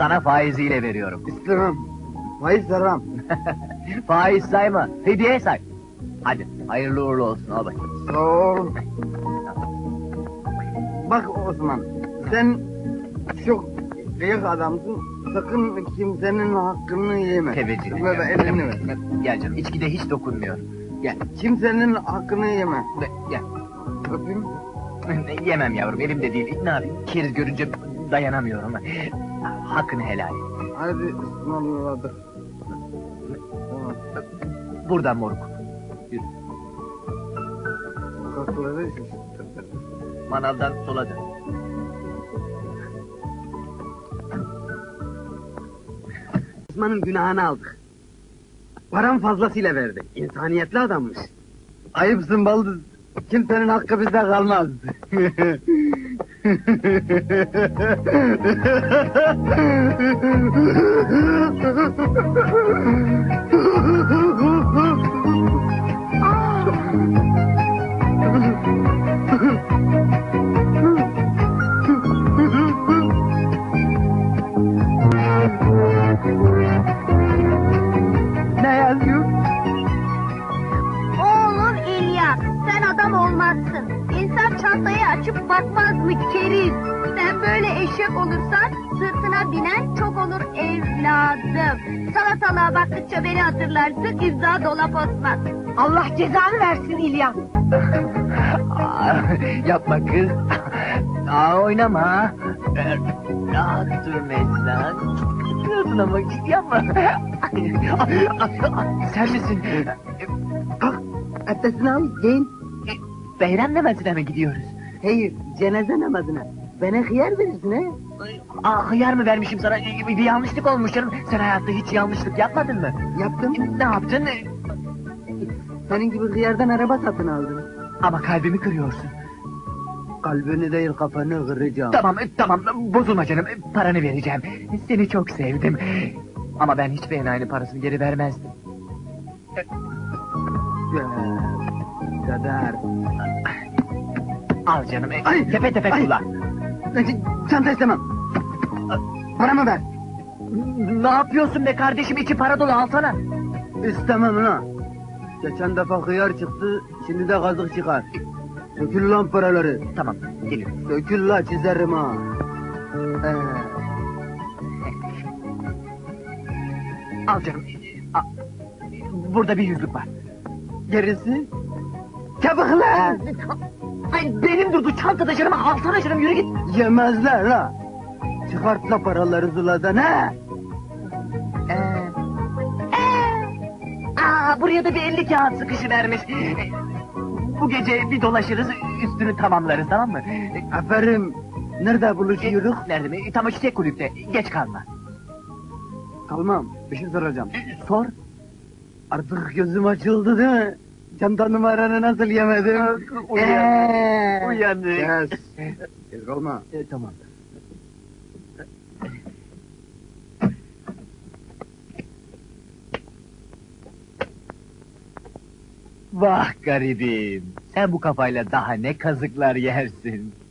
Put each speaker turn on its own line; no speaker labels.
Sana faiziyle veriyorum.
İstemem. Faiz vermem.
Faiz sayma, hediye say. Hadi, hayırlı uğurlu olsun, al bakayım.
Sağ ol. Bak Osman, sen çok büyük adamsın. Sakın kimsenin hakkını yeme.
Teveccüh
Ver elini ver.
Gel canım, içkide hiç dokunmuyor. Gel,
Kimsenin hakkını yeme.
gel.
Öpeyim.
Yemem yavrum, elimde değil. Ne yapayım? Keriz görünce dayanamıyorum. Hakkını helal et.
Hadi ısmarladık.
Buradan moruk. Yürü.
Sokakları şaşırttı.
Manavdan sola dön.
Osman'ın günahını aldık. Param fazlasıyla verdi. İnsaniyetli adammış. Ayıpsın baldız. Kimsenin hakkı bizde kalmaz. Ne yazıyor?
Oğlum İlyas, sen adam olmazsın. İnsan çantayı açıp bakmaz mı keriz? Sen böyle eşek olursan sırtına binen çok olur evladım. Salatalığa baktıkça beni hatırlarsın, İmza Dolap Osman.
Allah cezanı versin İlyas.
Yapma kız. Oynama. Rahat dur Meslan. Çıkıyorsun ama yapma. Sen misin?
Kalk, abdestini al, giyin.
Beyran namazına mı gidiyoruz?
Hayır, cenaze namazına. Bana hıyar verirsin he?
Hıyar mı vermişim sana? Bir yanlışlık olmuş canım. Sen hayatta hiç yanlışlık yapmadın mı?
Yaptım.
Ne yaptın?
Senin gibi hıyardan araba satın aldım.
Ama kalbimi kırıyorsun.
Kalbini değil kafanı kıracağım.
Tamam, bozulma canım. Paranı vereceğim. Seni çok sevdim. Ama ben hiçbir enayi parasını geri vermezdim.
Kadar.
Al canım,
Ay,
tepe tepe
ay.
kullan.
Çanta istemem. Paramı ver.
Ne yapıyorsun be kardeşim? İçi para dolu, alsana.
İstemem ha. Geçen defa hıyar çıktı, şimdi de kazık çıkar. Sökül lan paraları.
Tamam, geliyorum.
Sökül la çizerim ha.
Al canım. Burada bir yüzlük var.
Gerisi? Çabuk lan!
Ay, benim durdu çantada canım, alsana canım, yürü git.
Yemezler ha. Çıkart la paraları zuladan ha.
Buraya da bir 50 kağıt sıkışıvermiş. Bu gece bir dolaşırız, üstünü tamamlarız, tamam mı?
Aferin. Nerede buluşuyoruz?
Nerede mi? Tam o çiçek kulüpte, geç kalma.
Kalmam. Bir şey soracağım.
Sor.
Artık gözüm açıldı değil mi? Çanta numaranı nasıl yemedim?
Uyandık.
Yes. Geç kalma.
Tamam. Vah garibim, sen bu kafayla daha ne kazıklar yersin.